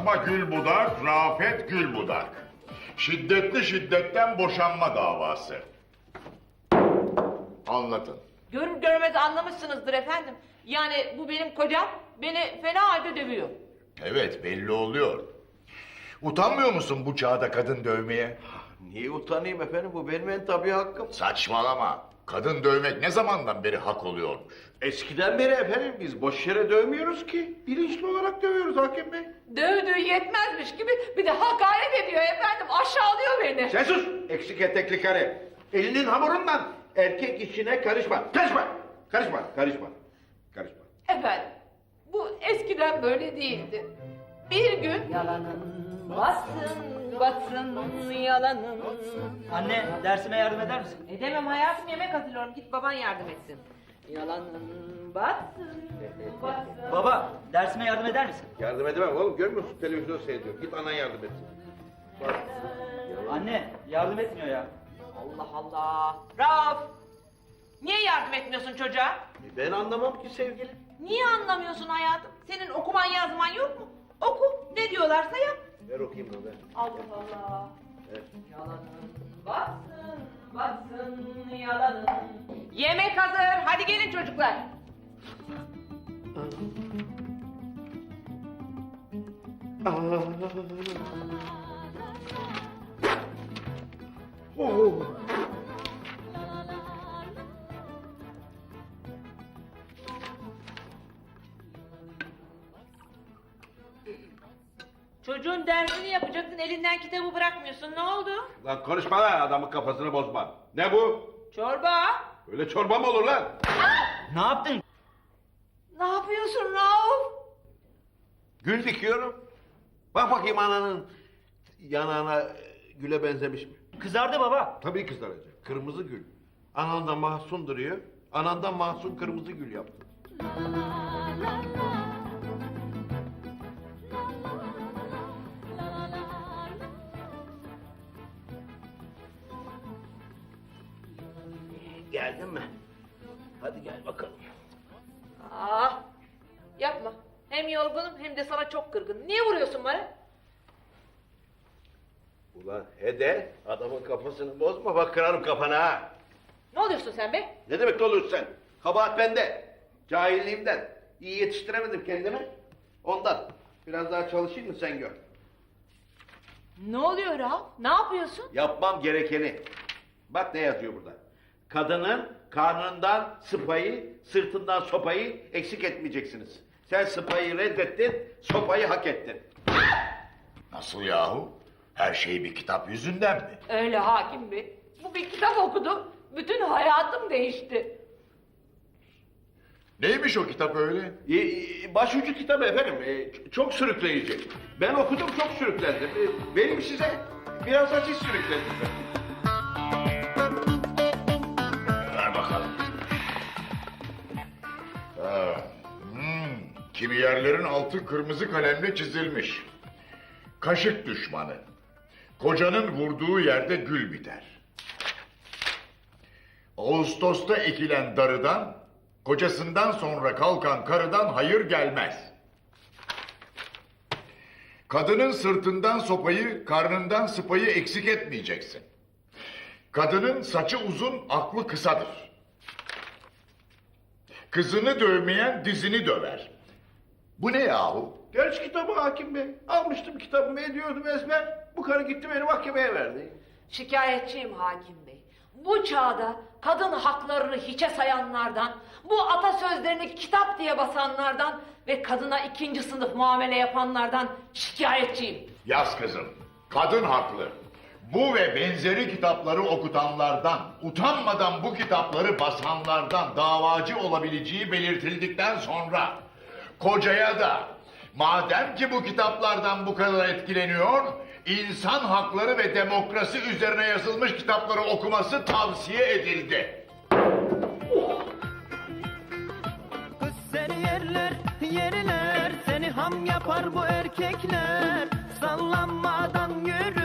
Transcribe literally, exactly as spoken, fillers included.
Fatma Gülbudak, Rafet Gülbudak. Şiddetli şiddetten boşanma davası. Anlatın. Görür görmez anlamışsınızdır efendim. Yani bu benim kocam beni fena halde dövüyor. Evet, belli oluyor. Utanmıyor musun bu çağda kadın dövmeye? Niye utanayım efendim? Bu benim en tabii hakkım. Saçmalama. Kadın dövmek ne zamandan beri hak oluyormuş? Eskiden beri efendim biz boş yere dövmüyoruz ki. Bilinçli olarak dövüyoruz hakim bey. Dövdüğü yetmezmiş gibi bir de hakaret ediyor efendim. Aşağılıyor beni. Sen sus! Eksik etekli karı. Elinin hamurundan erkek işine karışma. Karışma! Karışma, karışma. Karışma. Efendim bu eskiden böyle değildi. Bir gün yalanın batsın batsın yalanın. Anne, dersime yardım eder misin? Edemem hayatım, yemek hazırlıyorum, git baban yardım etsin. Yalanın batsın batsın. Baba, dersime yardım eder misin? Yardım edemem oğlum. Görmüyor musun? Televizyon seyrediyor. Git anan yardım etsin. Bak. Anne, yardım etmiyor ya. Allah Allah. Rauf, niye yardım etmiyorsun çocuğa? E, Ben anlamam ki sevgilim. Niye anlamıyorsun hayatım? Senin okuman yazman yok mu? Oku, ne diyorlarsa yap. Ver okuyayım onu ver. Allah Allah. Evet. Yalanın batsın, batsın yalanın. Yemek hazır, hadi gelin çocuklar. Oh. Çocuğun dersini yapacaksın, elinden kitabı bırakmıyorsun. Ne oldu? Lan konuşma lan, adamın kafasını bozma. Ne bu? Çorba. Öyle çorba mı olur lan? Ne yaptın? Ne yapıyorsun Rauf? Gül dikiyorum. Bak bakayım ananın yanağına e, güle benzemiş mi? Kızardı baba. Tabii kızaracak. Kırmızı gül. Anandan mahzun duruyor. Anandan mahzun kırmızı gül yaptı. Geldin mi? Hadi gel bakalım. Ah, yapma. Hem yorgunum hem de sana çok kırgınım. Niye vuruyorsun bana? Ulan Hede, adamın kafasını bozma, bak kırarım kafana ha. Ne oluyorsun sen be? Ne demek ne oluyorsun sen? Kabahat bende. Cahilliğimden. İyi yetiştiremedim kendimi. Ondan. Biraz daha çalışayım mı sen gör. Ne oluyor Rauf? Ne yapıyorsun? Yapmam gerekeni. Bak ne yazıyor burada. Kadının karnından sıpayı, sırtından sopayı eksik etmeyeceksiniz. Sen sıpayı reddettin, sopayı hak ettin. Nasıl yahu? Her şey bir kitap yüzünden mi? Öyle hakim bey. Bu bir kitap okudum. Bütün hayatım değişti. Neymiş o kitap öyle? Ee, başucu kitabı efendim. Ee, çok sürükleyici. Ben okudum, çok sürüklendim. Ee, benim size biraz da siz sürüklendiniz. Ver bakalım. Ha, hmm, kimi yerlerin altı kırmızı kalemle çizilmiş. Kaşık düşmanı. Kocanın vurduğu yerde gül biter. Ağustos'ta ekilen darıdan, kocasından sonra kalkan karıdan hayır gelmez. Kadının sırtından sopayı, karnından sıpayı eksik etmeyeceksin. Kadının saçı uzun, aklı kısadır. Kızını dövmeyen dizini döver. Bu ne yahu? Genç kitabı hakim bey. Almıştım kitabımı, ediyordum ezber. Bu karı gitti beni mahkemeye verdi. Şikayetçiyim hakim bey. Bu çağda kadın haklarını hiçe sayanlardan, bu atasözlerini kitap diye basanlardan ve kadına ikinci sınıf muamele yapanlardan şikayetçiyim. Yaz kızım, kadın haklı. Bu ve benzeri kitapları okutanlardan, utanmadan bu kitapları basanlardan davacı olabileceği belirtildikten sonra kocaya da madem ki bu kitaplardan bu kadar etkileniyor, insan hakları ve demokrasi üzerine yazılmış kitapları okuması tavsiye edildi. Kız seni yerler, yerler, seni ham yapar bu erkekler. Sallanmadan yürü.